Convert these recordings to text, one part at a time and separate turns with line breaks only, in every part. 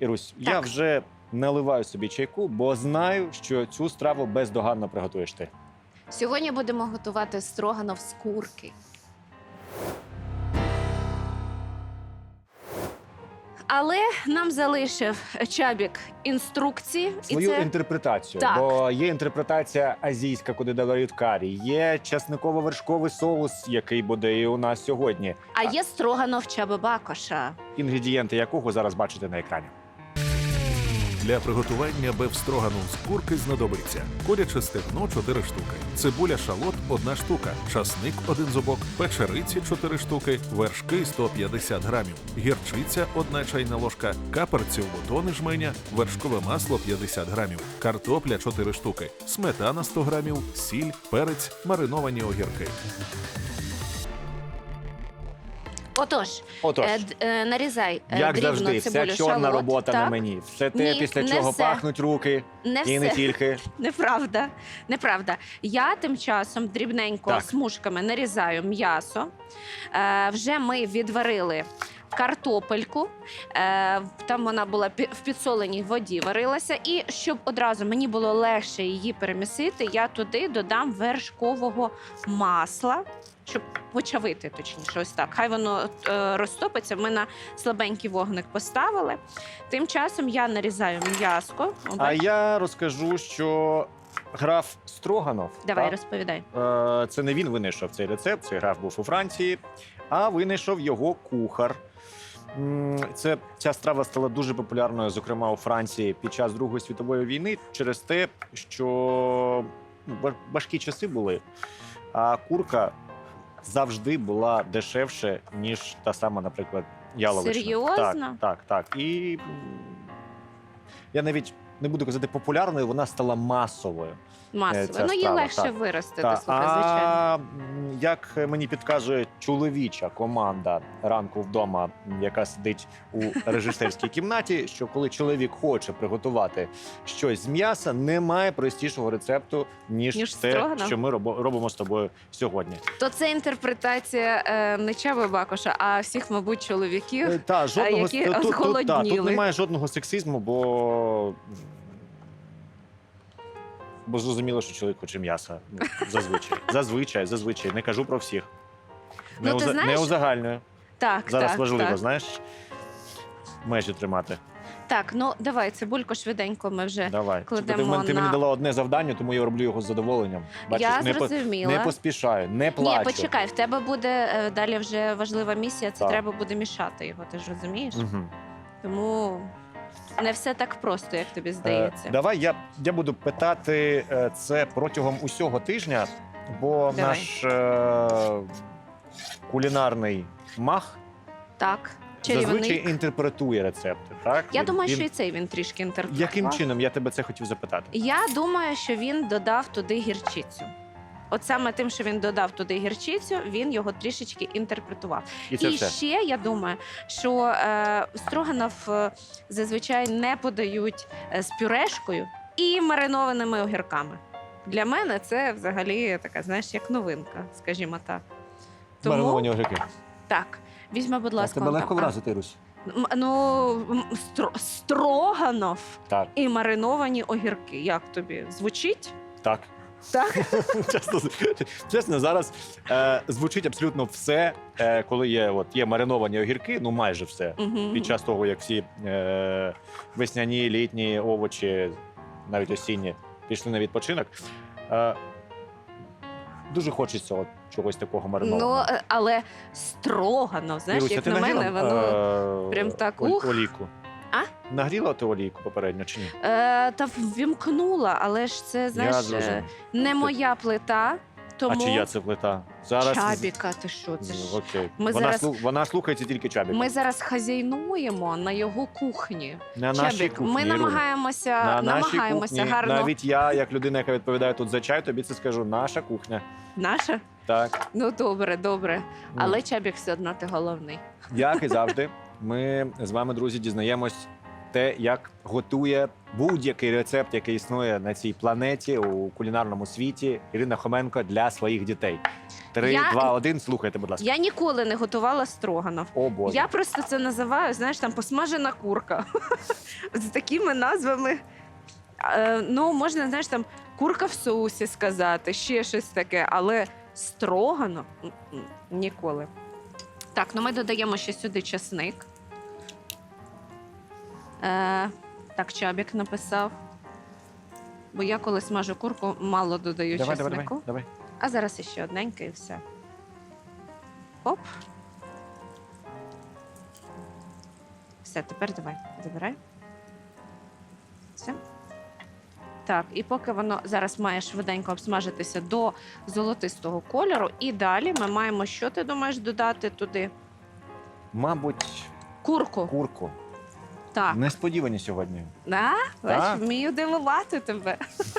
Ірусь, я вже наливаю собі чайку, бо знаю, що цю страву бездоганно приготуєш ти.
Сьогодні будемо готувати строганов з курки. Але нам залишив Чабік інструкції.
Свою інтерпретацію.
Так.
Бо є інтерпретація азійська, куди додають карі, є часниково-вершковий соус, який буде і у нас сьогодні.
А є строганов Чаби Бакоша.
Інгредієнти якого зараз бачите на екрані.
Для приготування бефстрогану з курки знадобиться куряче стегно 4 штуки, цибуля шалот 1 штука, часник 1 зубок, печериці 4 штуки, вершки 150 грамів, гірчиця 1 чайна ложка, каперці у бутони жменя, вершкове масло 50 грамів, картопля 4 штуки, сметана 100 грамів, сіль, перець, мариновані огірки.
Отож, нарізай
Як
дрібно
завжди,
цибулю,
вся чорна
шалот.
робота
Так.
на мені. Все те,
Ні,
після
не
чого
все.
пахнуть руки.
Не
І не
все.
тільки.
Неправда. Неправда. Я тим часом дрібненько
Так.
смужками нарізаю м'ясо. Вже ми відварили картопельку. Там вона була в підсоленій воді варилася. І щоб одразу мені було легше її перемісити, я туди додам вершкового масла, щоб почавити, точніше, ось так. Хай воно розтопиться. Ми на слабенький вогник поставили. Тим часом я нарізаю м'яско.
А я розкажу, що граф Строганов,
Давай,
так,
розповідай.
це не він винайшов цей рецепт, цей граф був у Франції, а винайшов його кухар. Ця страва стала дуже популярною, зокрема у Франції, під час Другої світової війни, через те, що важкі часи були, а курка завжди була дешевше, ніж та сама, наприклад, яловичина.
Серйозно?
Так. І я навіть не буду казати популярною, вона стала масовою.
Масово.
ця
Ну, її
страва,
легше
так.
виростити,
Та,
слухай, звичайно.
як мені підказує чоловіча команда «Ранку вдома», яка сидить у режисерській кімнаті, що коли чоловік хоче приготувати щось з м'яса, немає простішого рецепту, ніж те,
строганов?
що ми робимо з тобою сьогодні.
То це інтерпретація не Чаби Бакоша, а всіх, мабуть, чоловіків.
Та, жодного,
які
тут
зголодніли.
немає жодного сексизму, бо зрозуміло, що чоловік хоче м'яса. Зазвичай. Не кажу про всіх.
Ну, ти знаєш-
Не узагальнюю.
Так,
Зараз
так,
важливо,
так.
знаєш, межі тримати.
Так, ну давай, цибульку швиденько ми вже
Давай.
кладемо
Ти мені
на...
дала одне завдання, тому я роблю його з задоволенням.
Я
не
зрозуміла.
поспішаю, не плачу.
Ні, почекай, в тебе буде далі вже важлива місія, це
Так.
треба буде мішати його, ти ж розумієш?
Угу.
Тому не все так просто, як тобі здається.
Давай я буду питати це протягом усього тижня, бо
Давай.
наш кулінарний мах
Так,
зазвичай
чарівник.
інтерпретує рецепти. Так?
Я думаю,
Він-
що і цей він трішки інтерпретував.
Яким чином? Я тебе це хотів запитати.
Я думаю, що він додав туди гірчицю. От саме тим, що він додав туди гірчицю, він його трішечки інтерпретував.
І це
І
все.
ще я думаю, що строганов зазвичай не подають з пюрешкою і маринованими огірками. Для мене це взагалі така, знаєш, як новинка, скажімо так.
Мариновані огірки.
Так, візьми, будь ласка.
Тебе
он
легко
там.
вразити, Русь?
Строганов
Так.
і мариновані огірки. Як тобі? Звучить?
Так.
Так?
Чесно, зараз звучить абсолютно все, коли є мариновані огірки, ну майже все.
Мгм.
Під час того, як всі весняні, літні овочі, навіть осінні, пішли на відпочинок. Дуже хочеться чогось такого маринованого.
Ну, але строганов, знаєш,
Іруся,
як
ти
на мене,
нагріла,
воно прям так, ух.
олійку?
А?
Нагріла ти олійку попередньо чи ні?
та ввімкнула, але ж це, знаєш,
зрозумів.
не моя плита, тому
А чия це плита? Зараз...
Чабіка, ти що, це
Ну,
ж.
окей.
Ми
Вона,
зараз-
вона слухається тільки Чабіка.
Ми зараз хазяйнуємо на його кухні.
На нашій
Чабік,
кухні,
ми
Іруня.
намагаємося,
На нашій кухні.
гарно.
Навіть я, як людина, яка відповідає тут за чай, тобі це скажу. Наша кухня.
Наша?
Так.
Ну, добре. Але Чабік все одно ти головний.
Як і завжди, ми з вами, друзі, дізнаємось те, як готує будь-який рецепт, який існує на цій планеті у кулінарному світі, Ірина Хоменко для своїх дітей. 3, 2, 1, слухайте, будь ласка.
Я ніколи не готувала строганов.
О, Боже.
Я просто це називаю, знаєш, там посмажена курка. З такими назвами. Ну, можна, знаєш, там курка в соусі сказати, ще щось таке, але строганов ніколи. Так, ну ми додаємо ще сюди часник. Так, Чабік написав. Бо я коли смажу курку, мало додаю часнику.
Давай.
А зараз іще одненьке і все. Оп. Все, тепер давай, забирай. Все. Так, і поки воно зараз має швиденько обсмажитися до золотистого кольору, і далі ми маємо, що ти думаєш додати туди?
Мабуть,
Курку.
курку.
Так.
Несподівані сьогодні.
Да? Бач,
Так.
вмію дивувати тебе.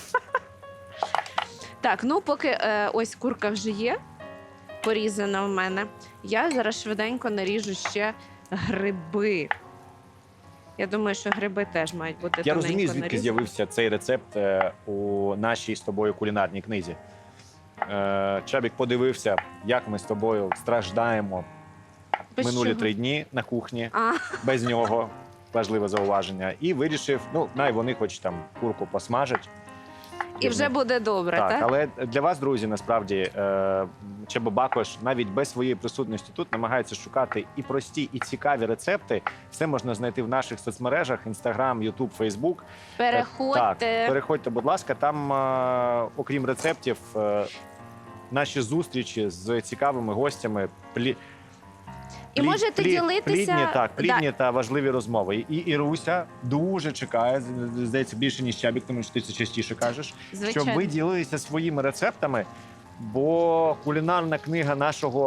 Так, ну поки ось курка вже є, порізана в мене, я зараз швиденько наріжу ще гриби. Я думаю, що гриби теж мають бути
Я
тоненько
розумію, звідки
нарізані.
з'явився цей рецепт у нашій з тобою кулінарній книзі. Чабік подивився, як ми з тобою страждаємо
Без
минулі
чого?
3 дні на кухні,
А,
без нього. Важливе зауваження. І вирішив, ну, най вони хоч там курку посмажать.
і вже буде добре,
Так,
так?
але для вас, друзі, насправді Чеба Бакош навіть без своєї присутності тут намагається шукати і прості, і цікаві рецепти. Все можна знайти в наших соцмережах: Instagram, YouTube, Facebook.
Переходьте.
Так, переходьте, будь ласка. Там, окрім рецептів, наші зустрічі з цікавими гостями.
І можете ділитися.
Плідні та важливі розмови. І Іруся дуже чекає, здається, більше, ніж Чабік, тому що ти це частіше кажеш,
Звичайно.
щоб ви ділилися своїми рецептами, бо кулінарна книга нашого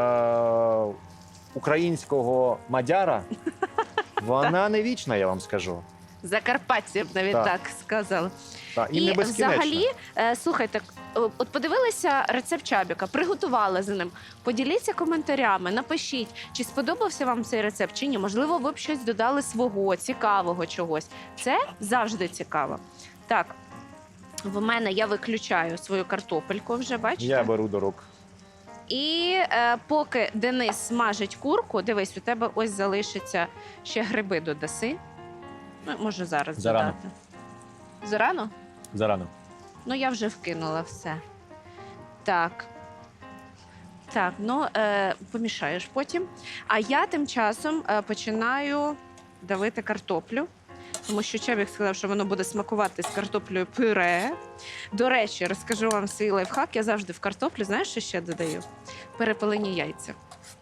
українського мадяра, вона не вічна, я вам скажу.
Закарпаття, я б навіть
Так.
так сказала.
І не безкінечна.
взагалі, слухайте, от подивилися рецепт Чабіка, приготували за ним. Поділіться коментарями, напишіть, чи сподобався вам цей рецепт, чи ні. Можливо, ви б щось додали свого, цікавого чогось. Це завжди цікаво. Так, в мене я виключаю свою картопельку вже, бачите?
Я беру до рук.
І поки Денис смажить курку, дивись, у тебе ось залишиться ще гриби додаси. Ну, можу зараз
Зарано.
додати. Зарано?
Зарано.
Ну, я вже вкинула все. Так. Так, ну, помішаєш потім. А я тим часом починаю давити картоплю. Тому що Чабік сказав, що воно буде смакувати з картоплею пюре. До речі, розкажу вам свій лайфхак. Я завжди в картоплю, знаєш, що ще додаю? Перепелені яйця.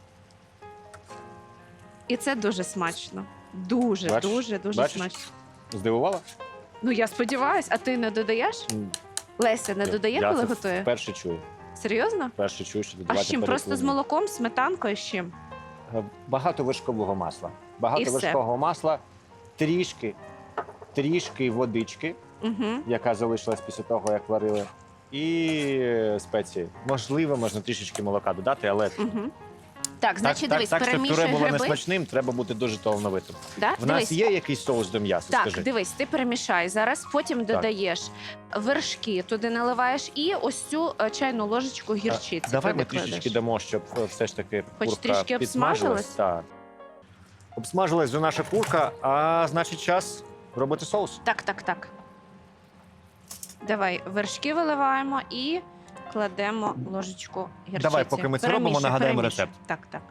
І це дуже смачно. Дуже,
Бачиш?
дуже, дуже
Бачиш?
смачно.
Здивувала?
Ну, я сподіваюсь, а ти не додаєш? Леся не додає,
Я
коли
це
готує?
вперше чую.
Серйозно?
Вперше чую, що
А
додавати
з чим? Просто з
перепелені.
молоком, сметанкою, з чим?
Багато вершкового масла. Багато
І все.
вершкового масла, трішки водички,
Угу.
яка залишилась після того, як варили, і спеції. Можливо, можна трішечки молока додати, але
Угу. Так, значить, дивись,
так, щоб
перемішуй
пюре було
гриби.
несмачним, треба бути дуже талановитим.
Да?
В
Дивись.
нас є якийсь соус до м'яса,
Так,
скажи?
дивись, ти перемішай зараз, потім додаєш вершки, туди наливаєш і ось цю чайну ложечку гірчиці.
Давай ми
туди
трішечки
кладеш.
дамо, щоб все ж таки
Хоч
курка
трішки обсмажилась?
Так. Обсмажилась вже наша курка, а значить час робити соус.
Так, так, так. Давай, вершки виливаємо і кладемо ложечку гірчиці.
Давай, поки ми це робимо,
Перемішуй,
нагадаємо
перемішуй.
рецепт.
Так, так.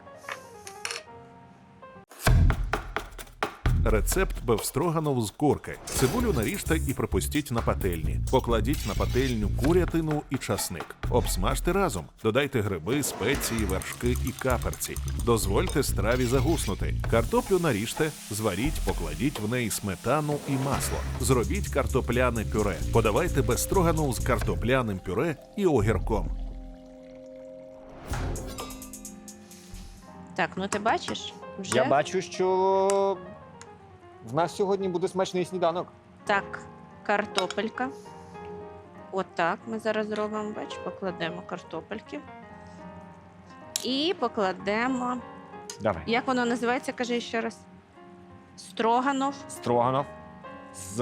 Рецепт бефстроганов з курки. Цибулю наріжте і пропустіть на пательні. Покладіть на пательню курятину і часник. Обсмажте разом. Додайте гриби, спеції, вершки і каперці. Дозвольте страві загуснути. Картоплю наріжте, зваріть, покладіть в неї сметану і масло. Зробіть картопляне пюре. Подавайте бефстроганов з картопляним пюре і огірком.
Так, ну ти бачиш? Вже?
Я бачу, що в нас сьогодні буде смачний сніданок.
Так, картопелька. Отак ми зараз зробимо, бач, покладемо картопельки. І покладемо.
Давай.
Як воно називається, кажи ще раз. Строганов.
Строганов з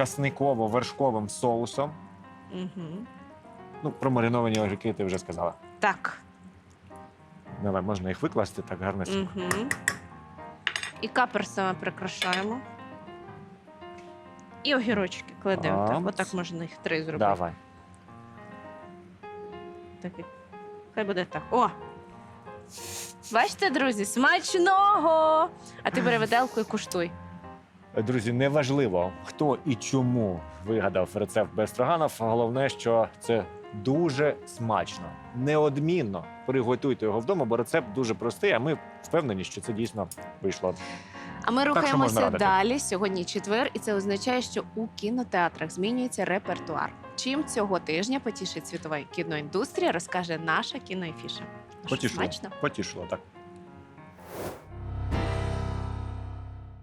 часниково-вершковим соусом.
Угу.
Ну, про мариновані огірки ти вже сказала.
Так.
Давай, можна їх викласти так гарнесенько.
Угу. І каперсами прикрашаємо. І огірочки кладемо. Так, отак можна їх 3 зробити.
Давай.
Так, хай буде так. О! Бачите, друзі, смачного! А ти бери виделку і куштуй.
Друзі, неважливо, хто і чому вигадав рецепт бефстроганов. Головне, що це дуже смачно. Неодмінно приготуйте його вдома, бо рецепт дуже простий, а ми впевнені, що це дійсно вийшло.
А ми
що можна
рухаємося
радити.
далі. Сьогодні четвер, і це означає, що у кінотеатрах змінюється репертуар. Чим цього тижня потішить світова кіноіндустрія, розкаже наша кіноефіша.
Потішило.
Смачно?
Потішило, так.